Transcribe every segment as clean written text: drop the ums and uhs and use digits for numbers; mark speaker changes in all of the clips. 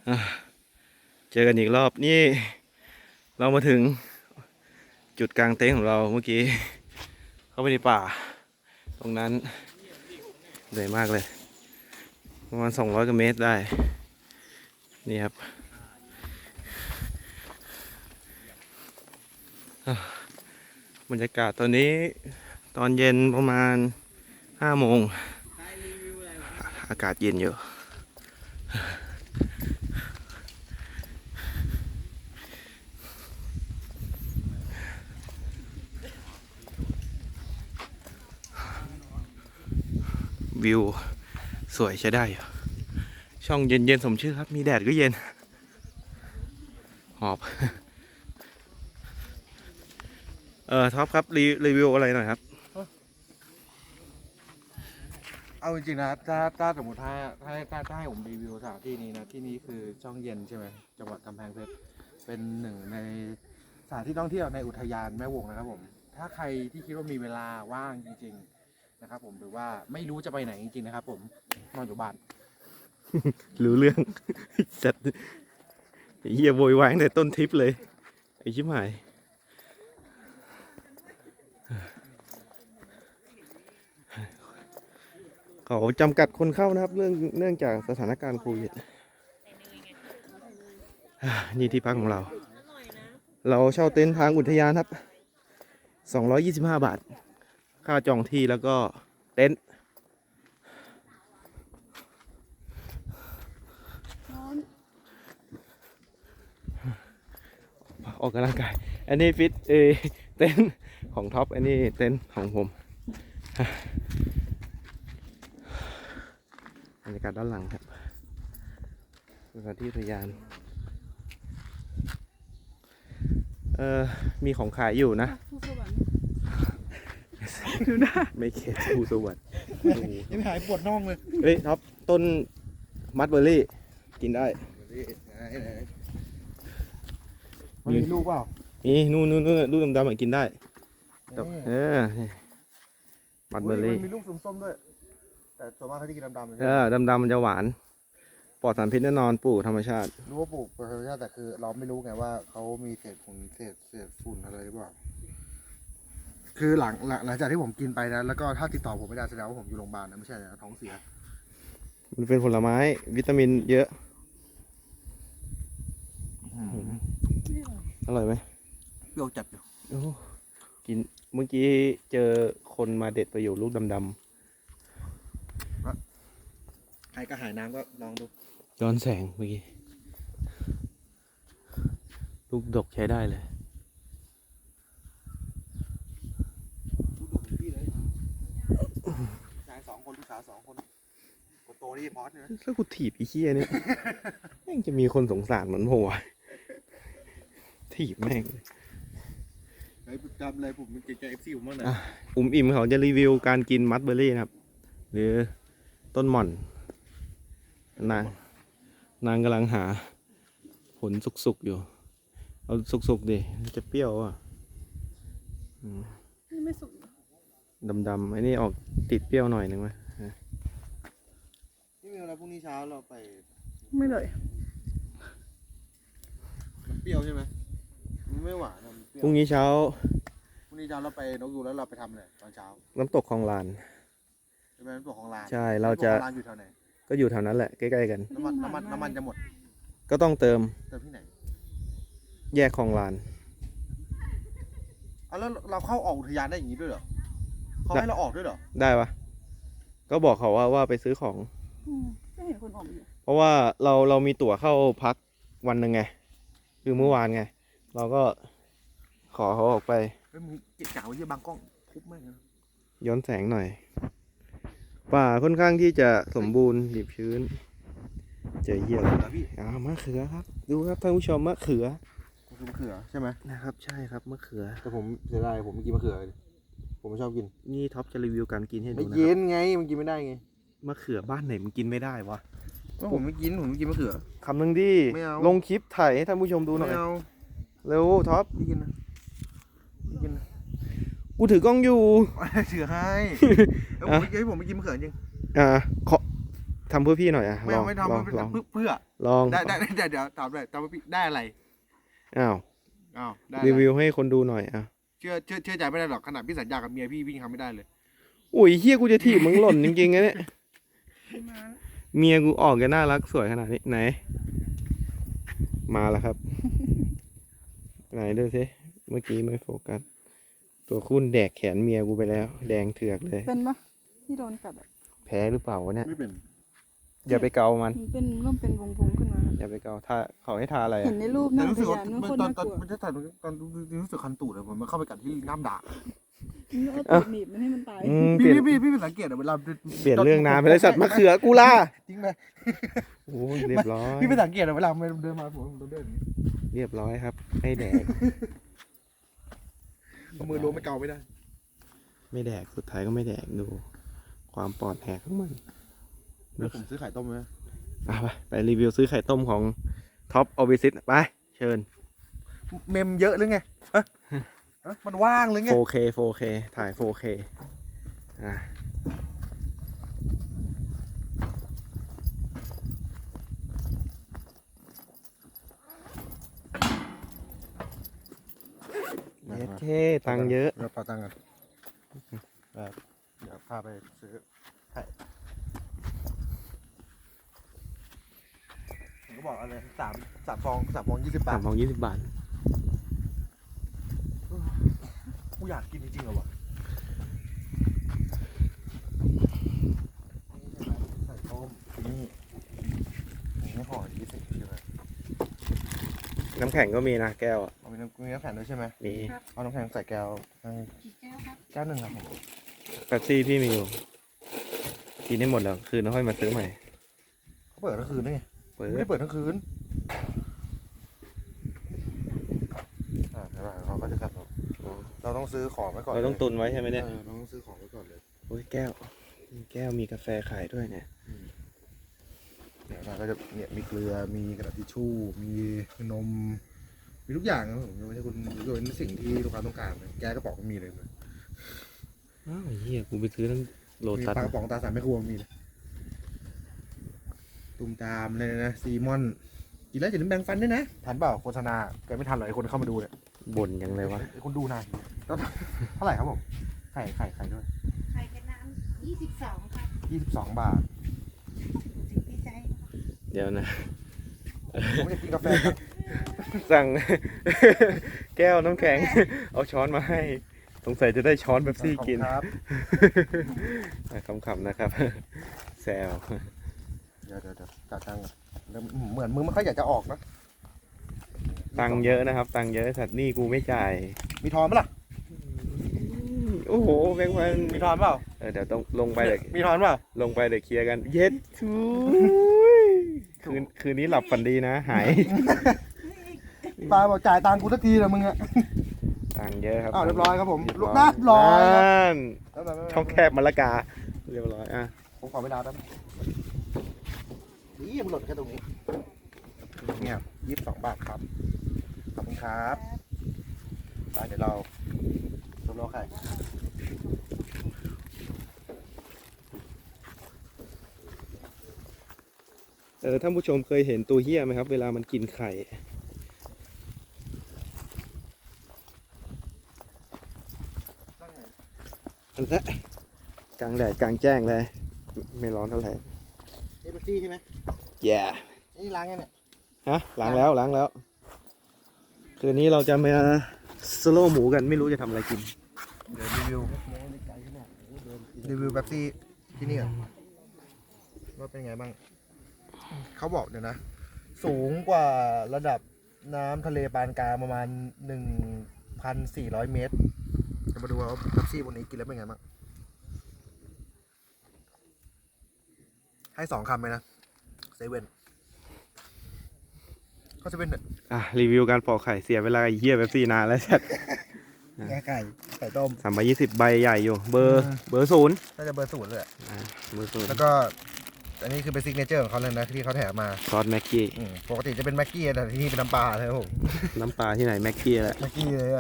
Speaker 1: อ่ะเจอกันอีกรอบนี่เรามาถึงจุดกลางเต็นท์ของเราเมื่อกี้เข้าไปในป่าตรงนั้นเหนื่อยมากเลยประมาณ200 กว่าเมตรได้นี่ครับบรรยากาศตอนนี้ตอนเย็นประมาณ5 โมงอากาศเย็นอยู่วิวสวยใช้ได้อยู่ช่องเย็นๆสมชื่อครับมีแดดก็เย็นหอบท็อปครับรีวิวอะไรหน่อยครับ
Speaker 2: เอาจริงๆนะถ้าสมมติถ้าให้ผมรีวิวสถานที่นี้นะที่นี้คือช่องเย็นใช่ไหมจังหวัดกำแพงเพชรเป็นหนึ่งในสถานที่ท่องเที่ยวในอุทยานแม่วงนะครับผมถ้าใครที่คิดว่ามีเวลาว่างจริงๆนะครับผมหรือว่าไม่รู้จะไปไหนจริงๆนะครับผมนอนอยู่บ้าน
Speaker 1: รู้เรื่อง จัดไอ้เหี้ยโวยวายตั้งแต่ต้นทริปเลยไอ้ชิบหายเขาจำกัดคนเข้านะครับเนื่องจากสถานการณ์โควิดนี่ที่พักของเราเช่าเต็นท์ทางอุทยานครับ225 บาทค่าจองที่แล้วก็เต็นท์ออกกำลังกายอันนี้ฟิตเต็นท์ของท็อปอันนี้เต็นท์ของผมบรรยากาศด้านหลังครับสถานที่อุทยานมีของขายอยู่นะดูนะไม่เข็ดภูสวัสดิ์
Speaker 2: ยังหายปวดน่องเลย
Speaker 1: เฮ้ยท็อปต้นมัดเบอร์รี่กินได้
Speaker 2: มันมีลูกเปล่า
Speaker 1: มีนู่นลูกดำๆกินได้มัดเบอร์รี่
Speaker 2: มันมีลูกส้มๆด้วยแต่ส่วนมากเขาที่กินดำๆเลย
Speaker 1: ดำๆมันจะหวานปลอดสารพิษแน่นอนปลูกธรรมชาติ
Speaker 2: รู้ว่าปลูกธรรมชาติแต่คือเราไม่รู้ไงว่าเขามีเศษฝุ่นอะไรหรือเปล่าคือหลังจากที่ผมกินไปนะแล้วก็ถ้าติดต่อผมไม่ได้แสดงว่าผมอยู่โรงพยาบาลนะไม่ใช่นะท้องเสีย
Speaker 1: มันเป็นผลไม้วิตามินเยอะอร่อยไหม
Speaker 2: เปรี้ยวจัดอยู่
Speaker 1: กินเมื่อกี้เจอคนมาเด็ดประโยชน์ลูกดำ
Speaker 2: ใครก็หายน้ำก็ลองดู
Speaker 1: ย้อนแสงเมื่อกี้ลูกดกใช้ได้เลย
Speaker 2: ชาย2 คนลูกสาว2 คนคนโตนี่พอสนะ
Speaker 1: แล้วกูถีบไอ้เหี้ยเนี่ยแม่งจะมีคนสงสารเหมือนผมวะถีบแม่ง
Speaker 2: ไอ้จำเลยผมเป็นเกย์FCผมบ้างนะ
Speaker 1: อิ่มเขาจะรีวิวการกินมัดเบอร์รี่นะครับหรือต้นหม่อนนางกำลังหาผลสุกๆอยู่เอาสุกๆดิจะเปรี้ยวอ่ะ
Speaker 3: ไม่สุก
Speaker 1: ดำๆไอ้นี่ออกติดเปรี้ยวหน่อยนึงไหม
Speaker 2: นี่มีอะไรพรุ่งนี้เช้าเราไป
Speaker 3: ไม่เลย
Speaker 2: มันเปรี้ยวใช่ไหมมันไม่หวานมันเปรี้ยว
Speaker 1: พรุ่งนี้เช้า
Speaker 2: เราไปนกยูงแล้วเราไปทำอะไรตอนเช้า
Speaker 1: น้ำตกคลองลาน
Speaker 2: ใช่ไหมน้ำตกของลาน
Speaker 1: ใช่เราจะ
Speaker 2: ร้านอยู่แถวไหน
Speaker 1: ก็อยู่แถวนั้นแหละใกล้ๆกัน
Speaker 2: น้ำมันจะหมด
Speaker 1: ก็ต้องเติม
Speaker 2: ที่ไหน
Speaker 1: แยกคลองลาน
Speaker 2: แล้วเราเข้าออกอุทยานได้อย่างนี้ด้วยเหรอเขาให้เราออกด้วยเหรอ
Speaker 1: ได้ปะก็บอกเขาว่าไปซื้อของ
Speaker 3: ไม่เห็นคนออกอยู่
Speaker 1: เพราะว่าเรามีตั๋วเข้าพักวันหนึ่งไงคือเมื่อวานไงเราก็ขอเขาออกไป
Speaker 2: มึงเก็บจ่าไว้ที่บางกล้องทุบแม่ง
Speaker 1: ย้อนแสงหน่อยป่าค่อนข้างที่จะสมบูรณ์ดิบชื้นเจอเยี่ยมมะเขือครับดูครับท่านผู้ชมมะเขือ
Speaker 2: ใช่ไหม
Speaker 1: นะครับใช่ครับมะเขือ
Speaker 2: แต่ผมเสียดายผมไม่กินมะเขือผมไม่ชอบกิน
Speaker 1: นี่ท็อปจะรีวิวการกินให้ดูนะ
Speaker 2: ไม่กินไงมันกินไม่ได้ไง
Speaker 1: มะเขือบ้านไหนมันกินไม่ได้วะ
Speaker 2: ผมไม่กินมะเขือ
Speaker 1: คำหนึ่งดิลงคลิปถ่ายให้ท่านผู้ชมดูหน่อยเร็วท็อป
Speaker 2: ไม่กินนะ
Speaker 1: กูถือกล้องอยู่
Speaker 2: ถือให้ผมไม่กินมะเขือจริง
Speaker 1: ขอทำเพื่อพี่หน่อยอ่ะ
Speaker 2: ไม่
Speaker 1: ลอง
Speaker 2: เอาไม่
Speaker 1: ลอง
Speaker 2: ทำ
Speaker 1: ลอง
Speaker 2: เพื่อ
Speaker 1: ลอง
Speaker 2: ได้เดี๋ยวถามเลยทำให้พี่ได้อะไร
Speaker 1: อ้าว
Speaker 2: อ้าวได้อะไร
Speaker 1: รีวิวให้คนดูหน่อยอ่ะ
Speaker 2: เชื่อใจไม่ได้หรอกขนาดพี่สัญญากับเมียพี่ยังทำไม่ได้เลย
Speaker 1: อุ้ยเฮียกูจะถีบมึงหล่นจริงๆนะเนี่ยเมียกูออกจะน่ารักสวยขนาดนี้ไหน มาแล้วครับ ไหนดูสิเมื่อกี้ไม่โฟกัสตัวคุณแดกแขนเมียกูไปแล้ว แดงเถือกเลย
Speaker 3: เป็นปะที่โดนกัดอะ
Speaker 1: แพ้หรือเปล่าวะเนี่ย
Speaker 2: ไม่เป็น
Speaker 1: อย่าไปเกามัน
Speaker 3: มันเป็นเริ่มเป็นวงๆขึ้นมา
Speaker 1: อย่าไปเกาทาเขาให้ทาอะไร
Speaker 3: เห็
Speaker 1: อะ
Speaker 3: นในรูปห
Speaker 2: แต่
Speaker 3: น้า
Speaker 2: รู้
Speaker 3: พ
Speaker 2: สึกว่าย
Speaker 3: านมันโคตร
Speaker 2: ตอน
Speaker 3: น่ากลัว
Speaker 2: มันจะถ่ายตอนรู้สึกคันตูดเลยผมมันเข้าไปกัดที่น้ำด่าง
Speaker 3: มันเอาตูดหนีบมันให้มันตาย
Speaker 1: เปลี่ยน
Speaker 2: พี่เป็นสังเกตอะเวลา
Speaker 1: เปลี่ยนเรื่องน้ำไปเลยสัตว์มะเขือกูล่า
Speaker 2: จริงไหม
Speaker 1: โอ้ยเรียบร้อย
Speaker 2: พี่เป็นสังเกตอะเวลามันเดินมาผมเดินอย่างนี้
Speaker 1: เรียบร้อยครับให้แดก
Speaker 2: เอามือล้วงไม่เกาไม่ได้
Speaker 1: ไม่แดกสุดท้ายก็ไม่แดกดู ความปลอดแหกของมัน
Speaker 2: เดี๋ยวผมซื้อไข่ต้มไหม
Speaker 1: ไปรีวิวซื้อไข่ต้มของท็อปออบิซิตไปเชิญ
Speaker 2: เมมเยอะหรือไงฮะมันว่างหรือไง
Speaker 1: 4K 4K ถ่าย 4K อ่ะเย็ดเท่ตังค์เยอะ
Speaker 2: เดี๋ยวเป่าตังค์กันเดี๋ยวพาไปซื้อไข่ผมก็บอกอะไรสามฟอง20 บา
Speaker 1: สา
Speaker 2: ท
Speaker 1: มของ20 บาท
Speaker 2: กูอยากกินจริงๆเหรอวะใส่ต้มนี่ไม่พอ20ใช่ไหม
Speaker 1: น้ำแข็งก็มีนะแก้วอ่ะ
Speaker 2: เอามีน้ำแข็งด้วยใช่ไหม
Speaker 1: มี
Speaker 2: เอาน้ำแข็งใส่แก้วแก้วหนึ่งครับผม
Speaker 1: แป๊บซี่พี่มีอยู่ กินได้หมดแล้ว คืนแล้วค่อยมาซื้อใหม่
Speaker 2: เขาเปิดทั้งคืนได้ไง
Speaker 1: เปิด
Speaker 2: ไม่ได้เปิดทั้งคืนเขาก็จะกลับเราต้องซื้อของไว้ก่อน
Speaker 1: เราต้องตุนไว้ใช่ไหมเนี่ย
Speaker 2: เราต้องซื้อของไว้ก่อนเลย
Speaker 1: โอ้ยแก้วมีกาแฟขายด้วยเนี่ย
Speaker 2: เดี๋ยวเราก็จะเนี่ยมีเกลือมีกระดาษทิชชู่มีนมมีทุกอย่างนะผมไม่ใช่คุณโดยสิ่งที่ลูกค้าต้องการแก้กระป๋องก็มีเลย
Speaker 1: อ้าวเฮียกูไปซื้อทั้งโล
Speaker 2: มี
Speaker 1: ตัส
Speaker 2: ปลากระป๋องตาสามแม่ครัวมีเลยตุ่มตามเลยนะซีมอนกินแล้วอย่าลืมแบ่งฟันด้วยนะทันเปล่าโฆษณาแกไม่ทันหรอกไอ้คนเข้ามาดูเนี่ย
Speaker 1: บ่นยังเลยวะ
Speaker 2: ไอ้คนดูนานแล้วเท่าไหร่ครับผมไข่ด้วย
Speaker 4: ไข่กับน้ำ22ครับ
Speaker 2: 22 บาท
Speaker 4: สิ่งที่ใช้
Speaker 1: เดี๋ยวนะ
Speaker 2: ผมจะกินกาแฟครับ
Speaker 1: สั่ง แก้วน้ำแข็ง เอาช้อนมาให้ สงสัยจะได้ช้อนแบบซี่กิน
Speaker 2: ครับ
Speaker 1: ขำๆนะครับ แซว
Speaker 2: เดี๋ยวจ่ายตังค์ก่อนเหมือนมึงไม่ค่อยอยากจะออกนะ
Speaker 1: ตังค์เยอะนะครับ ตังค์เยอะสัตว์หนี่กูไม่จ่าย
Speaker 2: มีทอนไหมล่ะ
Speaker 1: โอ้โหแบงค์พัน
Speaker 2: มีทอนเปล่า
Speaker 1: เดี๋ยวต้องลงไปเดี๋ยว
Speaker 2: มีทอนเปล่า
Speaker 1: ลงไปเดี๋ยวเคลียร์กัน เย็ดทุยคืนนี้หลับฝันดีนะ หาย
Speaker 2: ปาบอกจ่ายตังค์กูสักทีนะมึงอะ
Speaker 1: ตังค์เยอะครับ
Speaker 2: อ้าวเรียบร้อยครับผม
Speaker 1: เรียบ
Speaker 2: ลูก
Speaker 1: ร้อย
Speaker 2: น้าร้อยครับ
Speaker 1: นั่นช่องแคบมะละกา เรียบร้อยอ่ะ
Speaker 2: ผมขอเวลาแป๊บนี่มันหล่นแค่ตรงนี้เงียบ22 บาทครับ ขอบคุณครับไปเดี๋ยวเรารอไข่
Speaker 1: ท่านผู้ชมเคยเห็นตัวเหี้ยไหมครับ เวลามันกินไข่อันละกลางแดดกลางแจ้งเลย ไม่ร้อนเท่าไหร่
Speaker 2: เอเบอร์ซี่ใช่ไหม
Speaker 1: แย่
Speaker 2: นี่ล้างยังเนี่ย
Speaker 1: ฮะล้างแล้วคืนนี้เราจะมาสโลว์หมูกันไม่รู้จะทำอะไรกิน
Speaker 2: เดี๋ยวรีวิวแบบซี่ที่นี่ก่อนว่าเป็นไงบ้าง เขาบอกเดี๋ยวนะ สูงกว่าระดับน้ำทะเลปานกลางประมาณ 1,400 เมตร จะมาดูว่าแบบซี่บนนี้กินแล้วเป็นไงบ้าง ให้2 คำเลยนะเซเว่นเขาเซเว่นเนี่ย
Speaker 1: รีวิวการปอกไข่เสียเวลาไอ้เหี้ยแบบซี่นานแล้วชัด
Speaker 2: ไก่ต้ม
Speaker 1: 320ใบใหญ่อยู่ เบอร์ศูนย์
Speaker 2: น่าจะเบอร์ 0เลยอะ
Speaker 1: เบอร์ศูนย์
Speaker 2: แล้วก็อันนี้คือเป็นซิกเนเจอร์ของเขาเลยนะที่เขาแถมมา
Speaker 1: ซอสแม็กกี้
Speaker 2: ปกติจะเป็นแม็กกี้แต่ที่นี่เป็นน้ำปลาเลยครับผม
Speaker 1: น้ำปลาที่ไหนแม็กกี้แหละ
Speaker 2: แม็กกี้เลยอะ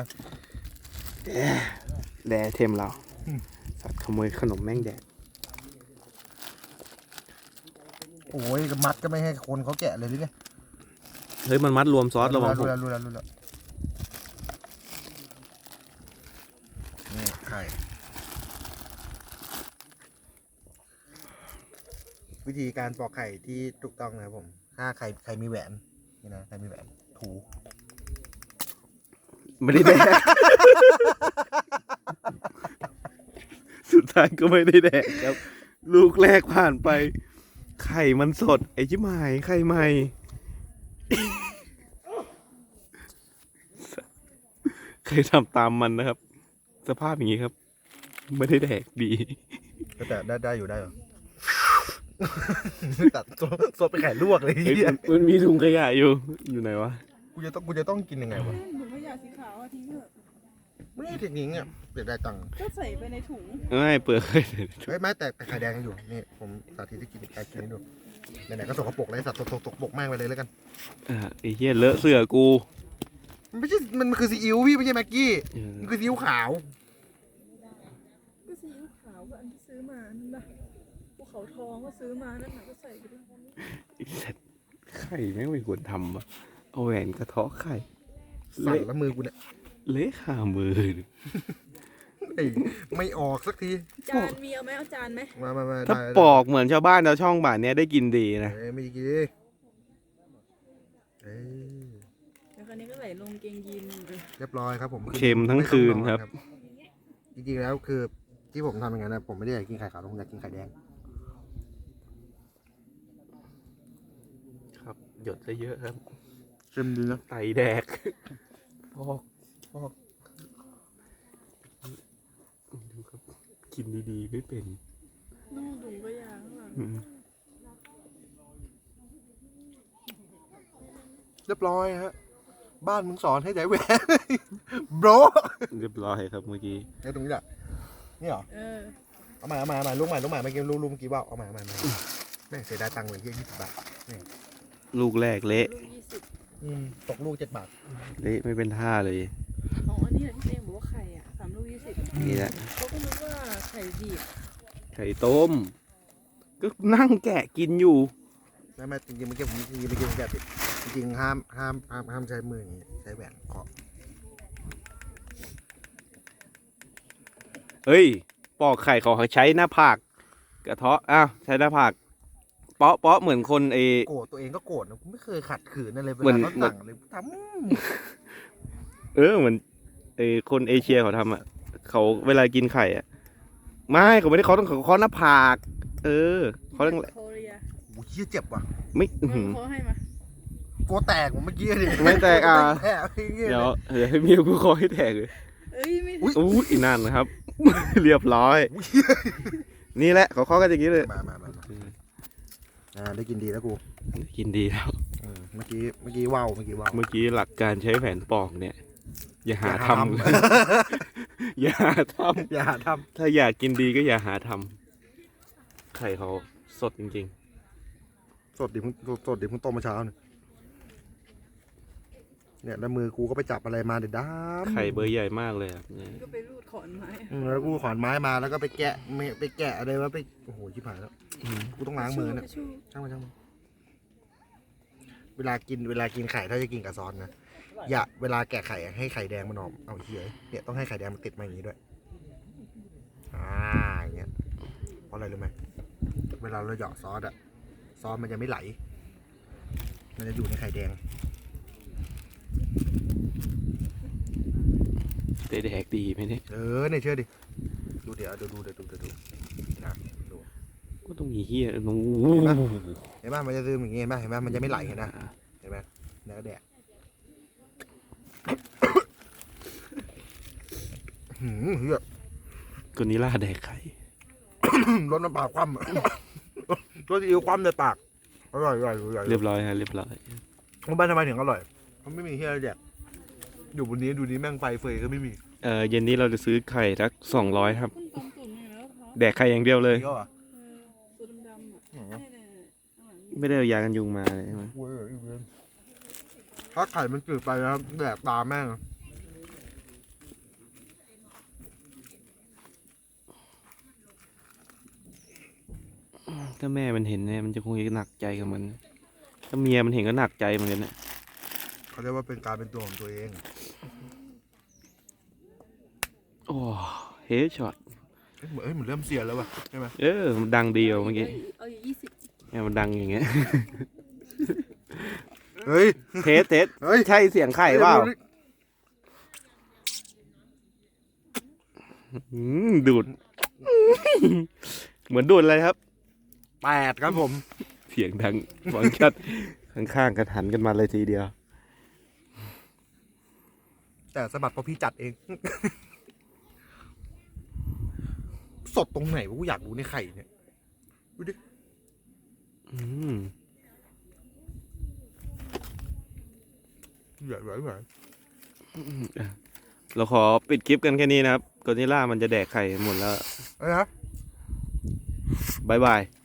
Speaker 1: แดเทมเรา สัตว์ขโมยขนมแม่งแดด
Speaker 2: โอ้ยมัดก็ไม่ให้คนเขาแกะเลยหรือไง
Speaker 1: เฮ้ยมันมัดรวมซอสระวัง
Speaker 2: รู้แล้วนี่ไข่วิธีการปอกไข่ที่ถูกต้องนะครับผมถ้าใครมีแหวนนี่นะใครมีแหวนถู
Speaker 1: ไม่ได้แดก สุดท้ายก็ไม่ได้แดกครับ ลูกแรกผ่านไป ไข่มันสด ไอ้ชิบหายไข่ใหม่ เคยทำตามมันนะครับ สภาพอย่างนี้ครับ ไม่ได้แดกดี
Speaker 2: แต่ได้อยู่ได้เหรอ ตัดสดไปไข่ลวกเลย
Speaker 1: เฮ้ยมันมีถุงขยะอยู่ไหนวะ
Speaker 2: กูจะต้องกินยังไงวะ
Speaker 3: ถุงขยะสีขาวอะทิ้งเถอะ
Speaker 2: ไม่ได้เทคนิคเนี่ยเดี๋ยวได้ตังค์
Speaker 3: ก็ใส่ไปในถุง
Speaker 1: ไม่เปลือก
Speaker 2: เฮ้ยไม่แต่ไข่แดงยังอยู่นี่ผมสาธิตที่กินไข่กินให้ดูไหนๆก็สกปรกเลยสัตว์ตกปรกแม่งไปเลยแล้วกัน
Speaker 1: ไอ้เหี้ยเลอะเสื้อกู
Speaker 2: มันไม่ใช่มันคือซีอิ๊วพี่ไม่ใช่แม็กกี้
Speaker 1: เออ
Speaker 2: มันคือซีอิ๊วขาว
Speaker 3: ก็ซีอิ๊วขาวก็อันที่ซื้อมานั่นนะภูเขาทองก็ซื้อมานั่นน่ะก็ใส่ไปด้วย
Speaker 1: ไอ้สัตว์ไข่แม่งไม่ควรทำอ่ะเอาแหวนกระเทาะไข่
Speaker 2: สั่น
Speaker 1: เละ
Speaker 2: แล้วมือกูเนี่ย
Speaker 1: เละขามือ
Speaker 2: เอ้ยไม่ออกสักที
Speaker 3: จานมีเอาไหมเอาจานไหม
Speaker 2: มา
Speaker 1: ถ้า
Speaker 2: ได้
Speaker 1: ปอกเหมือนชาวบ้านชาวช่องบ้านเนี้ยได้กินดีนะ
Speaker 2: ไม่ได้กินเอ้ย
Speaker 3: แล้วคราวนี้ก็ใส่ลงเกงยีนเลย
Speaker 2: เรียบร้อยครับผม
Speaker 1: เค็มทั้งคืนครับ
Speaker 2: จริงๆแล้วคือที่ผมทำอย่างนั้นนะผมไม่ได้อยากกินไข่ขาวผมอยากกินไข่แดง
Speaker 1: ครับ หยดซะเยอะครับ
Speaker 2: เค็มดีนะ
Speaker 1: ไตแดกพอกดูครับ กินดีๆไม่เป็น
Speaker 3: นู่นถุงก็ยางข้างหลัง
Speaker 1: อืม
Speaker 2: เรียบร้อยฮะบ้านมึงสอนให้ใจแหวน โบร
Speaker 1: เรียบร้อยครับเมื่อกี้
Speaker 2: ไอ้ตรงนี้แหละนี่เหรอ
Speaker 3: เออ
Speaker 2: เอามาลูกใหม่เมื่อกี้ลูกเมื่อกี้ว่าเอามาแม่งเสียดายตังค์เหมือนที่20 บาท
Speaker 1: ลูกแรกเละ
Speaker 3: ลูก20
Speaker 2: ตกลูก7 บาท
Speaker 1: เละไม่เป็นท่าเลย
Speaker 3: อ๋ออันนี้แหละที่เองบอกว่าไข่อ่ะ3 ลูก 20
Speaker 1: นี่แหละ
Speaker 3: เขาก็นึกว่าไข่ดิบ
Speaker 1: ไข่ต้ม ก็นั่งแกะกินอยู่
Speaker 2: ไม่จริงๆเมื่อกี้ผมไม่กินแกะติดจริงๆห้ามใช้มืออย่างนี้ใช้แหวนเคาะ
Speaker 1: เฮ้ย ปอกไข่เขาใช้หน้าผากกระเทาะอ้าวใช้หน้าผากเปาะเหมือนคน
Speaker 2: โกรธตัวเองก็โกรธนะผมไม่เคยขัดขืนอะไรเว
Speaker 1: เหมื
Speaker 2: ลา
Speaker 1: อน
Speaker 2: เขาสั่งเลยท
Speaker 1: เหมือนคนเอเชียเขาทำอ่ะเขาเวลากินไข่อ่ะไม่เขาไม่ได้เขาต้องเขาหน้าผาก เขาต้อง
Speaker 3: โคเรีย
Speaker 2: ำโอ้ยเหี้ยเจ็บว่ะ
Speaker 1: ไม่อื้อหือ
Speaker 3: เขาให้มา
Speaker 2: โกแตกผมเมื่อกี้ดิ
Speaker 1: ไม่แตกอ่ะ
Speaker 2: แผลไอ้เงี้ย
Speaker 1: เดี๋ยวให้เมียกูคอยให้แตกเลย
Speaker 3: เอ้ยไม่
Speaker 1: อู้อีนั่นนะครับ เรียบร้อย นี่แหละเขากันอย่างนี้เลย
Speaker 2: มาได้กินดีแล้วกู
Speaker 1: กินดีแล้ว
Speaker 2: เมื่อกี้ว่าว
Speaker 1: เมื่อกี้หลักการใช้แผนปอกเนี่ย อย่าหาทำ อย่าหาท
Speaker 2: อย่าหาท
Speaker 1: ำถ้าอยากกินดีก็อย่าหาทำไข่เขาสดจริง
Speaker 2: ำสดดิเพิ่งต้มมาเช้าเนี่ยแล้วมือกูก็ไปจับอะไรมาเด็ดด้า
Speaker 1: ๆ ไข่เบอร์ใหญ่มากเลยครับเนี่ย
Speaker 3: ก็ไปรูดขอนไม้
Speaker 2: แล้วกูขอนไม้มาแล้วก็ไปแกะอะไรวะโอ้โหชิบหายแล้วกูต้องล้างมือเนี่ย
Speaker 3: ชู
Speaker 2: ช่างมันเวลากินไข่ถ้าจะกินกับซอสนะอย่าเวลาแกะไข่ให้ไข่แดงมันออกเอาเฮียเนี่ยต้องให้ไข่แดงมันติดมาอย่างนี้ด้วยอย่างเงี้ยเพราะอะไรรู้ไหมเวลาเราเหยาะซอสมันจะไม่ไหล มันจะอยู่ในไข่แดง
Speaker 1: ได้แดกดีไหมเนี่ย
Speaker 2: เนี่ยเชื่อดิดูเดี๋ยวดูนะดู
Speaker 1: ก็ต้องมีเฮียโอ้
Speaker 2: เห็นไหมมันจะซึมอย่างงี้เห็นไหมมันจะไม่ไหลเห็นไหมแล้วก็แดกเฮีย
Speaker 1: คนนี้ล่าแดกไข่
Speaker 2: รสน้ำปลาคว่ำรสซีอิ๊วคว่ำในปากอร่อย
Speaker 1: เรียบร้อยฮะเรียบร้อย
Speaker 2: บ้านทำไมถึงอร่อยมันไม่มีเฮียอะไรแดกอยู่บนนี้ดูนี้แม่งไฟเฟยก็ไม่มี
Speaker 1: เย็นนี้เราจะซื้อไข่สัก200 ครับ
Speaker 3: คุณต้มตุ๋นอยู่แล้วครับ
Speaker 1: แดกไข่อย่างเดียวเลย
Speaker 2: เยอะอ่ะ
Speaker 3: ตัวดำๆอ่ะเนี่ยข้างหลัง
Speaker 1: ไม่ได้เอายากันยุงมาเลยใช่ไหม
Speaker 2: ถ้าไข่มันจืดไปแล้วแดกตาแม่ง
Speaker 1: ถ้าแม่มันเห็นเนี่ยมันจะคงจะหนักใจกับมัน ถ้าเมียมันเห็นก็หนักใจเหมือนกันนะ
Speaker 2: เขาเรียกว่าเป็นการเป็นตัวของตัวเอง
Speaker 1: โอ้เฮดช็อต
Speaker 2: เหมือนเริ่มเสียแล้วว่ะใช่ไหม
Speaker 1: มันดังเดียวเมื่อกี้
Speaker 3: เอาอยู่20
Speaker 1: เนี่ยมันดังอย่างเงี้ย
Speaker 2: เฮ้ย
Speaker 1: เทส
Speaker 2: เฮ้ย
Speaker 1: ใช่เสียงไข่เปล่าดูด เหมือนดูดอะไรครับ
Speaker 2: 8ครับผม
Speaker 1: เสียงดังฟังชัดข้างๆกันหันกันมาเลยทีเดียว
Speaker 2: แต่สะบัดเพราะพี่จัดเอง สดตรงไหนวะกูอยากรู้ในไข่เนี่ยดูดิ
Speaker 1: อืม
Speaker 2: ใหญ่ใหญ่ใหญ่
Speaker 1: เราขอปิดคลิปกันแค่นี้นะครับกอริลล่ามันจะแดกไข่หมดแล้ว
Speaker 2: เอ้ยฮะ
Speaker 1: บายบาย